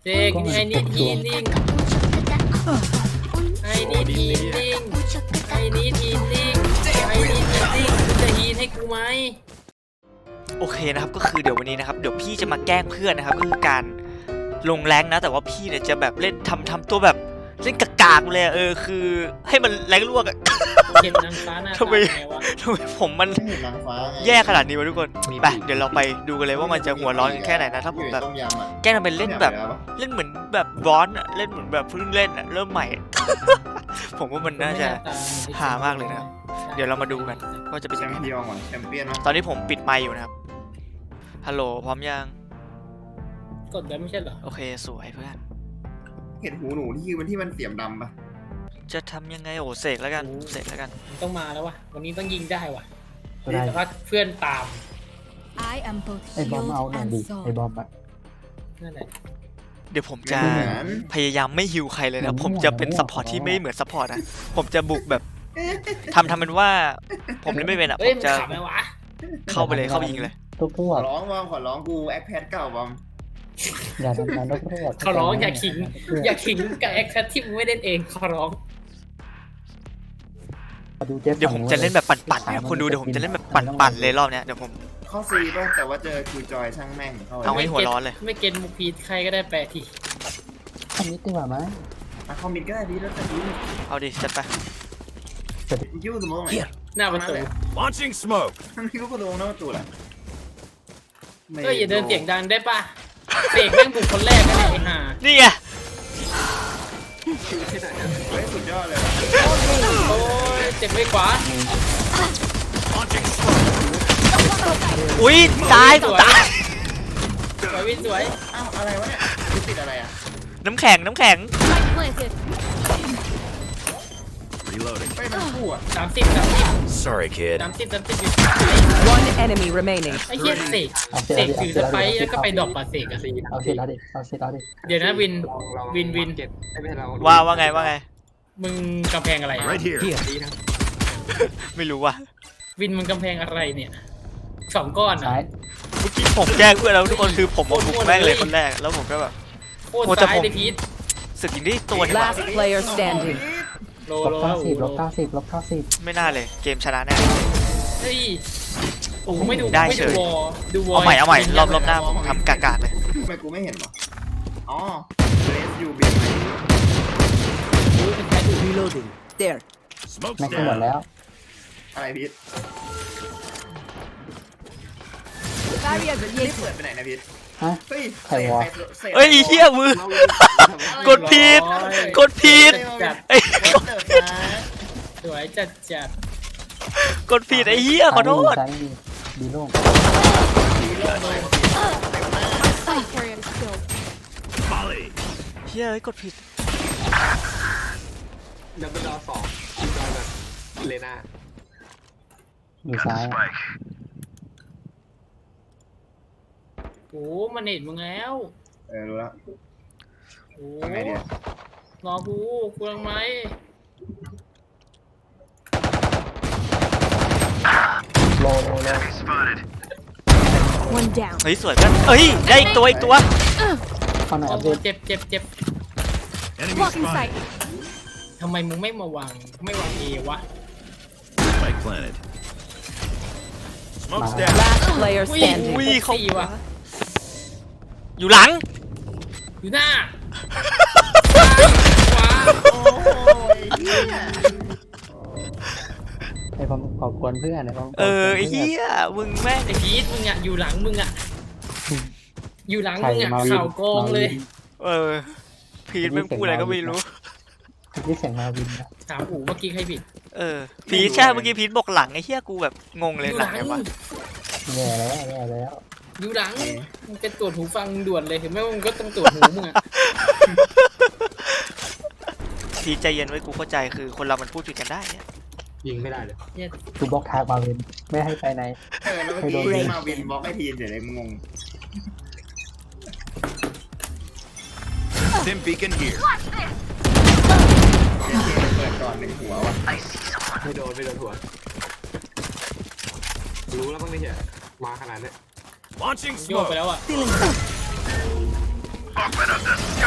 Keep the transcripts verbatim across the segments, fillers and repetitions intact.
เจ๊กไอ้นี่ทีนิ่งไอ้นี่ทีนิ่งไอ้นี่ทีนิ่งไอ้นี่ทีนิ่งคุณจะฮีนให้กูไหมโอเคนะครับก็คือเดี๋ยววันนี้นะครับเดี๋ยวพี่จะมาแกล้งเพื่อนนะครับก็คือการลงแรงนะแต่ว่าพี่เนี่ยจะแบบเล่นทำทำตัวแบบเล่นกากๆเลยเออคือให้มันแรงลวกอะเห็นนางฟ้าหน้าตาทำไมไงวะทำไมผมมันแย่ขนาดนี้วะทุกคนไปเดี๋ยวเราไปดูกันเลยว่ามันจะหัวร้อนกันแค่ไหนนะถ้าผมแบบแกล้งทำเป็นเล่นแบบเล่นเหมือนแบบร้อนอะเล่นเหมือนแบบเพิ่งเล่นอะเริ่มใหม่ ผมว่ามันน่าจะหามากเลยนะเดี๋ยวเรามาดูกันว่าจะเป็นยังไงแชมเปี้ยนตอนนี้ผมปิดไมค์อยู่นะครับฮัลโหลพร้อมยังกดได้ไม่ใช่เหรอโอเคสวยเพื่อนเห็นหูหนูที่มันที่มันเสียมดำปะจะทำยังไงโอ้เสกแล้วกันเสกแล้วกันมันต้องมาแล้ววะวันนี้ต้องยิงได้วะแต่ว่าเพื่อนตามไอ้บอมเอาหน่อยดิไอ้บอมอะนั่นแหละเดี๋ยวผมจะพยายามไม่ฮิวใครเลยนะผมจะเป็นซัพพอร์ตที่ไม่เหมือนซัพพอร์ตนะผมจะบุกแบบทำทำเป็นว่าผมเล่นไม่เป็นอ่ะผมจะเข้าไปเลยเข้าไปยิงเลยทุกพวกขอร้องบอมขอร้องกูแอคแพดเก่าบอมอย่าทำงานทุกพวกขอร้องอย่าขิงอย่าขิงกับแอคแพดที่มึงไม่เล่นเองขอร้องเดี๋ยวผมจะเล่นแบบปั่นๆนะคนดูเดี๋ยวผมจะเล่นแบบปั่นๆเลยรอบเนี้ยเดี๋ยวผมเข้าซีป่ะแต่ว่าเจอคิวจอยช่างแม่งเอาให้หัวร้อนเลยไม่เก็ตมุกพีทใครก็ได้แปลทีอันนี้ดีกว่าไหมคอมมินก็ได้ดีแล้วแต่ดีเอาดิจัดไปยิ้วสมองไหนหน้าประตู launching smoke มันคิ้วประตูหน้าประตูแหละก็อย่าเดินเสียงดังได้ป่ะเสกแม่งบุกคนแรกกันเลยไอ้ห่านี่ไงเฮ้ยสุดยอดเลยโอ้ยเจ็บไม่ขวาอุ้ยตายตายสวยวินสวยอ้าวอะไรวะเนี่ยติดอะไรอ่ะน้ำแข็งน้ำแข็งไปมันคู่อ่ะสามสิบสามสิบ sorry kid สามสิบสามสิบ one enemy remaining ไอ้เหี้ยเสกเสกถือสไปร์แล้วก็ไปดรอปปาเสกอะเอาเสร็จแล้วดิเอาเสร็จแล้วดิเดี๋ยวนะวินวินวินว่าว่าไงว่าไงมึงกำแพงอะไร right here ไม่รู้ว่ะวินมึงกำแพงอะไรเนี่ยสองก้อนอะเมื่อกี้ผมแจ้งเพื่อนแล้วทุกคนคือผมบุกแม่งเลยคนแรกแล้วผมก็แบบโคตรซ้ายเลยพีทสึกยิงได้ตัว last player standing โลลโลบเก้าสิบลบเก้าสิบลบเก้าสิบไม่น่าเลยเกมชนะแน่เฮ้ยโอ้ไม่ดูได้เฉยเอาใหม่เอาใหม่รอบรอบหน้าผมทำกากๆเลยทำไมกูไม่เห็นวะอ๋อเรสยูเบียร์ reloading there ไม่ขึ้นหมดแล้วอะไรพีทเปิดไปไหนนะพีทฮะเฮ้ยใครวะเฮ้ยเฮียมือกดผิดกดผิดไอ้กดผิดสวยจัดจัดกดผิดไอ้เฮียขอโทษดีโล่งเฮียกดผิดดับเบิลดอสองจอยแบบเลน่าอยู่ซ้ายโอ้มันเห็นมึงแล้วเออรู้แล้วโอ้รอกูกูยังไหมโลโลโลเฮ้ยสวยกันเฮ้ยได้อีกตัวอีกตัวเข้าหน่อยเจ็บเจ็บเจ็บทำไมมึงไม่มาวางไม่วางเอวะ Spike planted smoke's down last player standing อุ้ยเขาอยู่หลังอยู่หน้าขวาโอ้ยไอ้บอมขอบคุณเพื่อนไอ้บอมเออเฮียมึงแม่ไอ้พีทมึงอ่ะอยู่หลังมึงอ่ะอยู่หลังมึงอ่ะข่าวกองเลยเออพีทไม่พูดอะไรก็ไม่รู้พีทเสียงมาวินนะถามอู๋เมื่อกี้ใครผิดเออพีทใช่เมื่อกี้พีทบอกหลังไอ้เฮียกูแบบงงเลยหลังไงวะแย่แล้วแย่แล้วอยู่หลังมึงเป็นตรวจหูฟังด่วนเลยถึงแม้ว่ามึงก็ต้องตรวจหูมึงอะพีทใจเย็นไว้กูเข้าใจคือคนเรามันพูดผิดกันได้เนี่ยยิงไม่ได้เลยกูบล็อกทางมาวินไม่ให้ไปไหนเออแล้วเมื่อกี้มาวินบล็อกไอทีนเดี๋ยวเลยงง Dim beacon here เปิดก่อนหนึ่งหัววะไม่โดนไม่โดนหัวรู้แล้วบ้างไหมเนี่ยมาขนาดนี้ launching โยกไปแล้วอ่ะ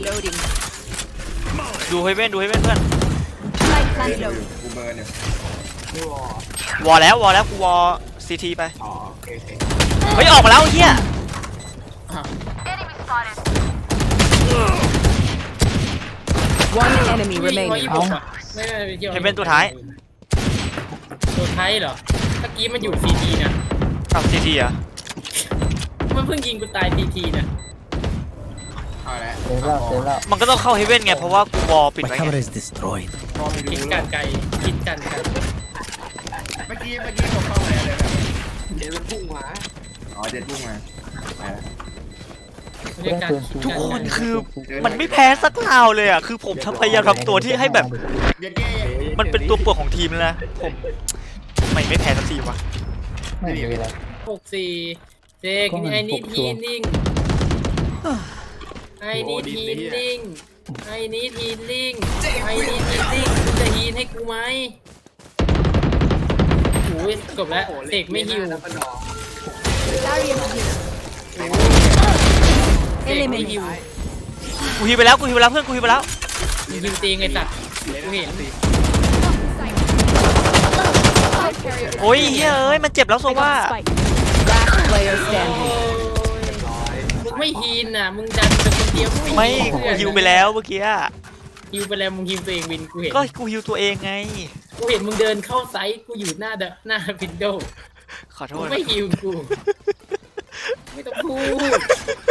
Reloading. ดูให้เว้นดูให้เว้นเพื่อน Spike เดี๋ยว planted. กูเบิร์นเนี่ยไม่วอวอลแล้ววอลแล้วกูวอลซีทีไปอ๋อโอเคโอเคเฮ้ยออกมาแล้วไอ้เฮีย One enemy ร้อย remaining. ยี่สิบหกอ่ะไม่ไม่ไม่เกี่ยวเห็นเป็นตัวท้ายตัวท้ายเหรอเมื่อกี้มันอยู่ซีทีนะอ้าวซีทีอ่ะมันเพิ่งยิงกูตายทีทีนะเอาละเซฟแล้วเซฟแล้วมันก็ต้องเข้าเฮเว่นไงเพราะว่ากูวอลปิด My ไว้ไง camera is destroyed. มองไม่คิดรู้การไกลคิดการไกลเมื่อกี้เมื่อกี้ผมเข้ามาเลยแบบเดี๋ยวมันพุ่งมาอ๋อเจ็ดพุ่งมาไปละเรียกการทุกคนคือมันไม่แพ้สักคราวเลยอ่ะคือผมทำพยายามทำตัวที่ให้แบบเย็นเก้มันเป็นตัวเปลือกของทีมแล้วนะผมไม่ไม่แพ้สักทีวะไม่มีอะไรหกสี่เจกไอ้นี่ทีนิ่งไอ้นี่ทีนิ่งไอ้นี่ทีนิ่งไอ้นี่ทีนิ่งมึงจะฮีนให้กูไหมโอ้ยจบแล้วเสกไม่ฮิวแล้วก็ดอกเสกไม่ฮิวกูฮิวไปแล้วกูฮิวไปแล้วเพื่อนกูฮิวไปแล้วมึงฮิวตีไงสัตว์กูเห็นโอ้ยเฮ้ยเอ้ยมันเจ็บแล้วโซว่า Spike. Last player standing. มึงไม่ฮีนน่ะมึงดันเป็นคนเดียวไม่ฮีนกูเพื่อนฮิวไปแล้วเมื่อกี้อะฮิวไปแล้วมึงฮิวตัวเองวินกูเห็นก็กูฮิวตัวเองไงกูเห็นมึงเดินเข้าไซต์กูอยู่หน้าเดอะหน้าวินโดว์ขอโทมึษงนะไม่ฮิวกูไม่ต้องพูด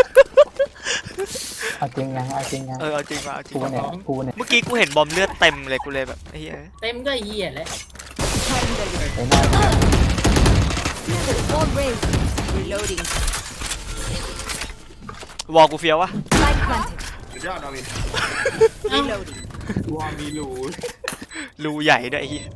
เอาจริงยังเอาจริงยังเออเอาจริงว่ะเอาจริงกูเนี่ยว่ะกูเนี่ยเมื่อกี้กูเห็นบอมเลือดเต็มเลยกูเลยแบบไอ้เหี้ยเต็มก็เหี้ยแล้วไอ้หน้า All raised. Reloading. วอลกูเฟี้ยววะ Spike planted. สุดยอดนาวิน Reloading. วอมีรูรูใหญ่ด้วยไอ้เหี้ย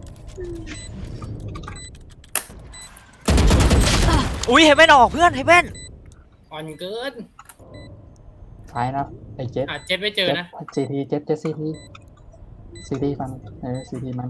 อุ้ยเฮเว่นออกเพื่อนเฮเว่นอ่อนเกินซ้ายนะไอ้เจ็ดอ่ะเจ็ดไม่เจอเจ็ดนะซีทีเจ็ดเจ็ดซีทีซีทีมันเออซีทีมัน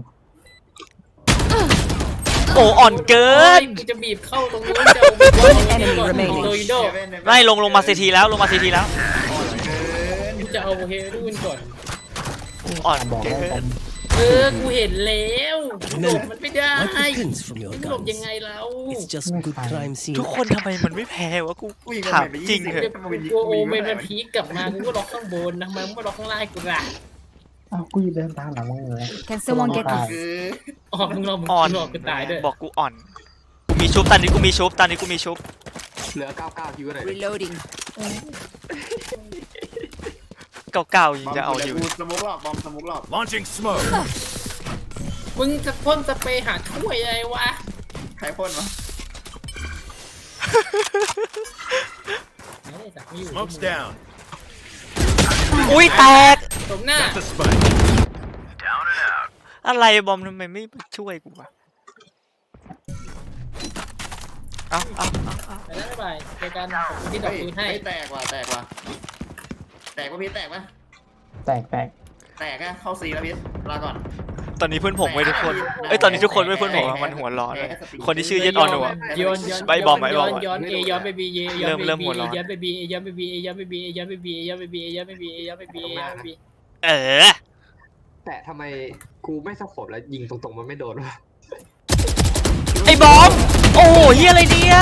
โอ้อ่อนเกินกูจะบีบเข้าตรงนู้นจะเอาบอลก่อนโรยโดไม่ลงลงมาซีทีแล้วลงมาซีทีแล้วกูจะเอาเฮรูนก่อนอ่อนบอกเกิได้ผนมเออกูเห็นแล้วหลบมันไม่ได้ What depends from your หลบ guns. ยังไงแล้ว It's just good crime scene. ทุกคนทำไมมันไม่แพ้วะกูกูยิงถามไปจริงเถอะกูโอเมนมันพีกกลับมากูก็ล็อกข้างบนทำไมมึงไม่ล็อกข้างล่างให้กูล่ะอ้าวกูยืนเดินตามหลังมึงเลย Can someone get ตาย this? คืออ๋อมึงรอมึงอ่อนรอกูตายด้วยบอกกูอ่อนกูมีชุบตอนนี้กูมีชุบตอนนี้กูมีชุบเหลือเก้าเก้าคิวอะไร Reloading. เก่าๆยังจะเอาอยู่กูสมุกหลอกบอมสมุกหลอก Launching smoke. มึงจะพ่นสเปรย์หาถ้วยอะไรวะใครพ่นวะไม่ได้จับไม่อยู่ Smoke's down. อุ้ยแตกตรงหน้า The spike. อะไรบอมทำไมไม่ช่วยกูวะเอาเอาเอาเอาไปแล้วบ๊ายบายเจอกันขอบคุณที่ดอกเฮ้ยปืนให้เฮ้ยแตกว่ะแตกว่ะแตกว่ะพี่แตกว่ะแตกแตกแตกอะเข้าซีแล้วพี่ลาก่อนตอนนี้เพื่อนผมไว้ทุกคนเอ้ยตอนนี้ทุกคนไว้เพื่อนผมอะมันหัวร้อนเลยคนที่ชื่อเย็ดออนหัวย้อนย้อนไปบอมไปบอมย้อนย้อนเอย้อนไปบีเอย้อนเริ่มไปเริ่มบีหัวร้อนย้อนไปบีเอย้อนไปบีเอย้อนไปบีเอย้อนไปบีเอย้อนไปบีเอย้อนไปบีเอย้อนไปบีเอย้อนไปบีเออแต่ทำไมกูไม่สะขบแล้วยิงตรงๆมันไม่โดนวะไอ้บอมโอ้โหเฮียอะไรเนี่ย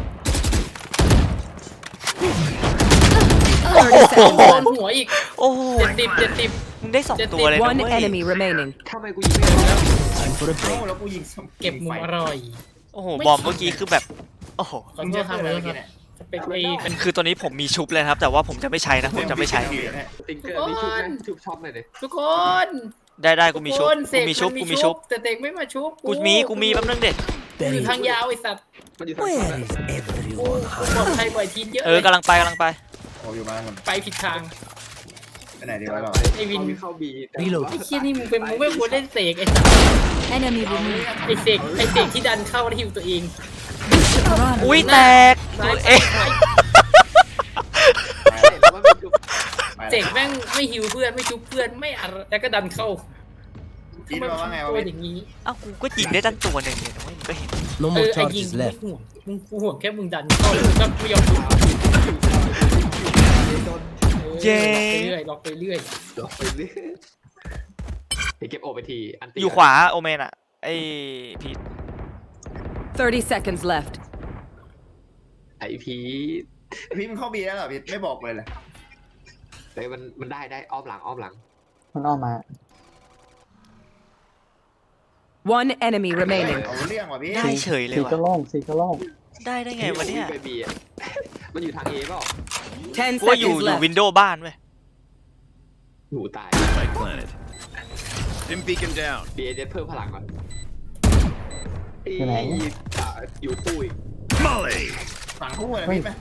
โอ้โหโดนหัวอีกโอ้โหเจ็ดสิบเจ็ดสิบมึงได้สองตัวเลยนะ One เว้ย enemy remaining. ทำไมกูยิงไม่โดนแล้ว Time for a โอ้ break. แล้วกูยิงเก็บมุมอร่อยโอ้โหบอมเมื่อกี้คือแบบโอ้โหขอมึงโทจะษครับทำอะไรขอโทษกิคน รับเนี่ยสเปคไอ้เป็นคือตัวนี้ผมมีชุบเลยนะครับ แต่ว่าผมจะไม่ใช้นะผมจะไม่ใช้ติงเกอร์มีชุบไหมชุบช็อปหน่อยดิทุกคนได้ได้กูมีชุบทุคนเสกูกมีชุบนกูมีชุบแต่เด็กไม่มาชุบกูมีกูมีแป๊บนึงเด็กกูอยู่ทางยาวไอ้สัตว์มันอยู่ทางซ้าย Where is กู everyone ปลอด hiding? ภัยกว่าทีนเยอะเอเลอย กำลังไปกำลังไปโอ้อยู่บ้านมันไปผิดทางไปไหนดีวะเราไอ้วินเข้าบี Reload. ไอ้เชี่ยนี่มึงเป็นมึงไม่ควรเล่นเสกไอ้สัตว์ Enemy removed. ไอ้เสกไอ้เสกที่ดันเข้าแล้วหิวตัวเอง Run. อุ้ยแตกซ้ายเอ๊ะซ้ายแล้วมันเป็นชุบไปเสกแม่งไม่หิวเพื่อนไม่ชุบเพื่อนไม่อะไรแล้วก็ดันเข้าคิดว่าว่าไงวะตัวพี่อย่างนี้เอ้ากูก็ยิงได้ตั้งตัวหนึ่งเนี่ยนะเว้ยมึงก็เห็น No เอ more อไอ้ยิง charges กูไม่ left. ห่วงมึงกูห่วงแค่มึงดันเข้าแล้วมึงก็ไม่ยอมชุบโดนเย้ล็อกไปเรื่อยล็อกไปเรื่อยเดี๋ยวเก็บโอไปทีอันตีอยู่ขวาโอเมนอะไอ้พีท thirty seconds left. ไอพีพี่มึงเข้าบีแล้วเหรอพี่ไม่บอกเลยเลยแต่มันมันได้ได้อ้อมหลังอ้อมหลังมันออกมา One enemy เฮ้ย remaining. เอาเรื่องว่ะพี่ได้เฉยเลยสีก็ว่ะโล่งสีก็โล่งได้ได้ไงวะเนี่ยไปบีอะมันอยู่ทางเอเปล่า Ten กูว่าอยู่ seconds อยู่ left. วินโดว์บ้านเว้ยหนูตาย Spike planted. Dim beacon down. บีเอเจเพิ่มพลังก่อนอยู่ไหนอ่าอยู่ตู้อีก Molly. ฝั่งคู่เลยพี่ไหม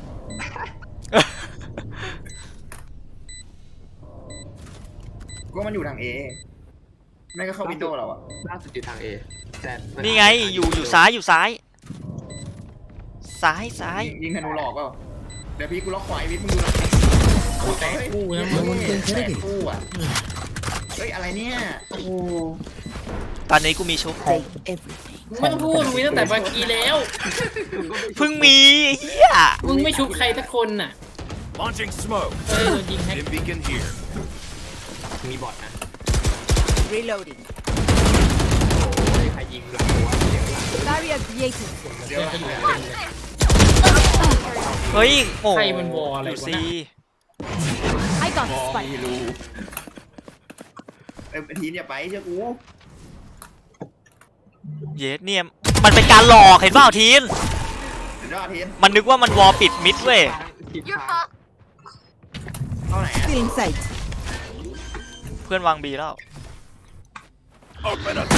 กูว่ามันอยู่ทางเอไม่ก็เข้าวินโดว์เราอะล่าสุดอยู่ทางเอแต่มันี่ไงอยู่อยู่ซ้ายอยู่ซ้าย ซ้ายซ้ายยิงธนูหลอกเปล่าเดี๋ยวพี่กูล็อกขวาไอ้วิทย์มึงดูหลังโอ้แต่คู่นะมึงแต่คู่อ่ะเฮ้ยอะไรเนี่ยโอ้โหตอนนี้กูมีชุบมึงไม่ต้องพูดมึงมีตั้งแต่เมื่อกี้แล้วเพิ่งมีเฮียมึงไม่ชุบใครสักคนน่ะ Launching smoke. เออโดนยิงแฮก Dim beacon here. มีบอทนะ Reloading. โอ้ยใครยิงหลังหัวเดี๋ยวหลัง Barrier created. เดี๋ยวเดี๋ยวนะจะอยู่เต็มเลยเฮ้ยโอ้ใครมันวออะไรดูวะสิน่ะ I got บ the อ spike. ไม่รู้เอ้ยทีมอย่าไปเชื่อกูเยสเนี่ยมันเป็นการหลอกเห็นเปล่าทีนสุดยอดทีมมันนึกว่ามันวอลปิดมิดเว้ยผิดทางเข้าไหนอะ Still in sight. เพื่อนวางบีแล้ว Open up.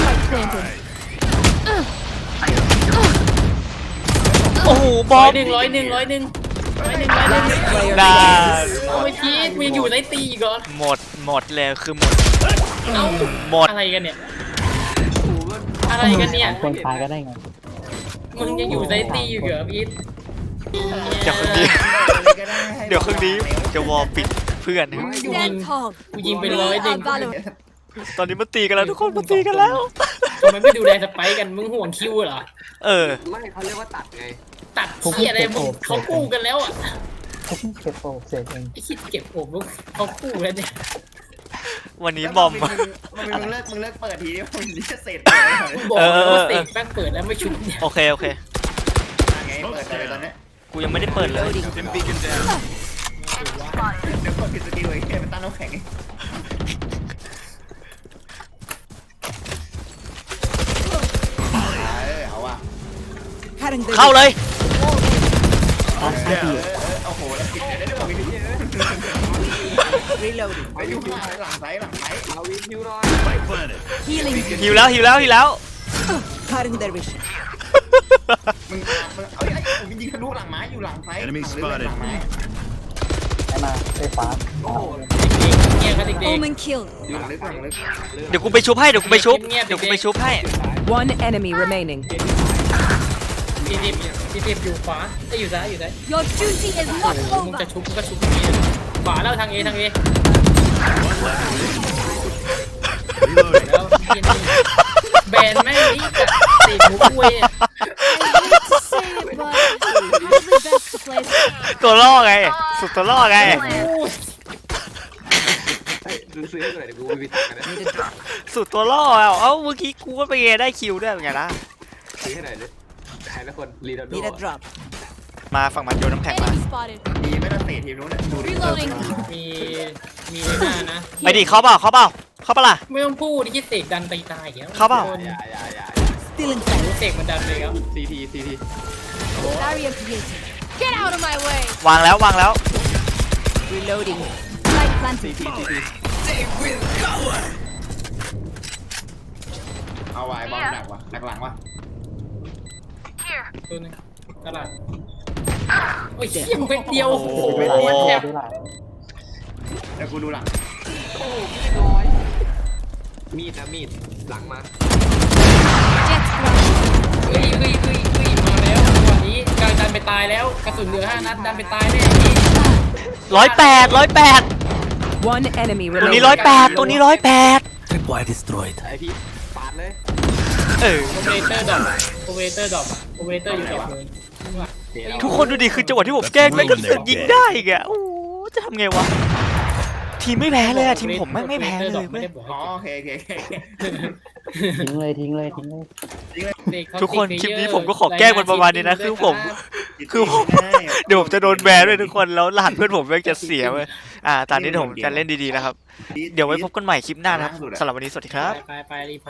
โอ้โหบร้ออมยหนึ่งร้อยหนึ่งร้อยหนึ่งร้อยหนึ่งร้อยหนึ่ง Last player ได้ standing. เอาไปพีทมึงอยู่ในตีอีกเหรอหมดหมดเลยคือหมดเอ้าหมดอะไรกันเนี่ยอะไรกันเนี่ยคนตายก็ได้ไงมึงยังอยู่ในตีอยู่เหรอพีทเดี๋ยวคืนนี้ก็ได้ให้เดี๋ยวคืนนี้จะวอลปิดเพื่อนนะ Stand tall. กูยิงไปร้อยหนึ่ง Are Valorant. ตอนนี้มันตีกันแล้วทุกคนมันตีกันแล้วทำไมไม่ดูแลสไปค์กันมึงห่วงคิวเหรอเออไม่เขาเรียกว่าตัดไงตัดเที่ยอะไรมึงเขากู้กันแล้วอ่ะเขาเพิ่งเก็บโปรเสร็จเองไอ้คิดเก็บผมลูกเขากู้แล้วเนี่ยวันนี้บอมมึงมึงเลิกมึงเลิกเปิดทีนี้มึงจะเสร็จมึงบอกเออเออว่าเออเตะแม่งเปิดแล้วไม่ชุบเนี่ยโอเคโอเคไงเปิดเลยตอนนี้กูยังไม่ได้เปิดเลย Dim beacon down. เดี๋ยวเปิดผิดสกิลเลยแค่เป็นตั้งน้ำแข็งเออเอาว่ะ Cutting the เข้าเลยเออเออโอ้โหแล้วผิดเนี่ยได้ด้วยวิธี reloading. ไปอยู่ข้างหลังซ้ายหลังซ้ายเอาวิคิวหน่อย Spike planted. Healing. หิวแล้วหิวแล้วหิวแล้ว Cutting their vision. มึงมึงเอ้ยไอ้ผมยิงทะลุหลังไม้อยู่หลังซ้ายหลังไม้ได้มาได้ฟ้าโอ้โหเงียบกันเด็ก Omen killed. อยู่หลังลึกหลังลึกเดี๋ยวกูไปชุบให้เดี๋ยวกูไปชุบเดี๋ยวกูไปชุบให้ One enemy remaining. ๆทีทีทีทีอยู่ขวาไอ้ยอยู่ซ้ายอยู่ซ้าย Your duty is โอ้ not โหมึง over. จะชุบมึงก็ชุบทีขวาแล้วทางเอทางเอ Reloading. แล้วเหี้ยนี่แบนแม่งนี่กับติดมุกเว้ย I hate to say it, but probably best to play. ตัวล่อไง สุดตัวล่อไงเฮ้ยซื้อซื้อให้หน่อยเดี๋ยวกูไปวิตักกันนะ Need a drop. สุดตัวล่ออ่ะเอ้าเมื่อกี้กูก็ไปได้คิวด้วยเป็นไงล่ะซื้อให้หน่อยเลยใครละคนรีดาโด Need a drop. มาฝั่งมันโยนน้ำแข็งมา Enemy spotted. ดีไม่ต้องเตะทีมนู้นดูดิ Reloading. มีมีในหน้านะไปดิเข้าเปล่าเข้าเปล่าเข้าเปล่าล่ะไม่ต้องพูดที่เสกดันไปตายอย่างเงี้ยเข้าเปล่าอย่าอย่าอย่า Still in sight. เสกมันดันเลยครับซีทีซีที Barrier created. Get out of my way. วางแล้ววางแล้ว Reloading. Spike planted. เอาไว้บอลหนักว่ะหนักหลังว่ะตัวหนึงตลาดโอ้ยเชี่ยมึงเป็นเดียวโอ้โหได้เป็นหลายเดียวแทบได้หลายเดี๋ยวกูดูหลังมีดนะมีดหลังมา Jet ground. เฮ้ยเฮ้ยเฮ้ยเฮ้ยมาแล้วจังหวะนี้กลางดันไปตายแล้วกระสุนเหลือห้านัดดันไปตายแน่พี่ร้อยแปดร้อยแปด One enemy ตัวนี้ remaining. ร้อยแปดตัวนี้ร้อยแปด Tripwire destroyed. ไอพี่ปาดเลยเออโอเวเตอร์ดรอปโอเวเตอร์ดรอปโอเวเตอร์อยู่กับมือทุกคนดูดิคือจังหวะที่ผมแกล้งแม่งก็เสือกยิงได้อีกอะโอ้โหจะทำไงวะทีมไม่แพ้เลยอะทีมผมแม่งไม่แพ้เลยไม่เว้ยได้บอกอ๋อให้โอเคโอเคโอเคทิ้งเลยทิ้งเลยทิ้งเลยเด็กเขาทุกคนติดคลิปนี้เยอะผมก็ขอแกล้งมันประมาณนี้นะคือผม คือผม เดี๋ยวผมจะโดนแบนด้วยทุกคนแล้วรหัสเพื่อนผมแม่งจะเสียเว้ยอ่าตอนนี้ผมจะเล่นดีๆนะครับ เดี๋ยวไว้พบกันใหม่คลิปหน้านะครับสำหรับวันนี้สวัสดีครับไปไปไปรีพอร์ต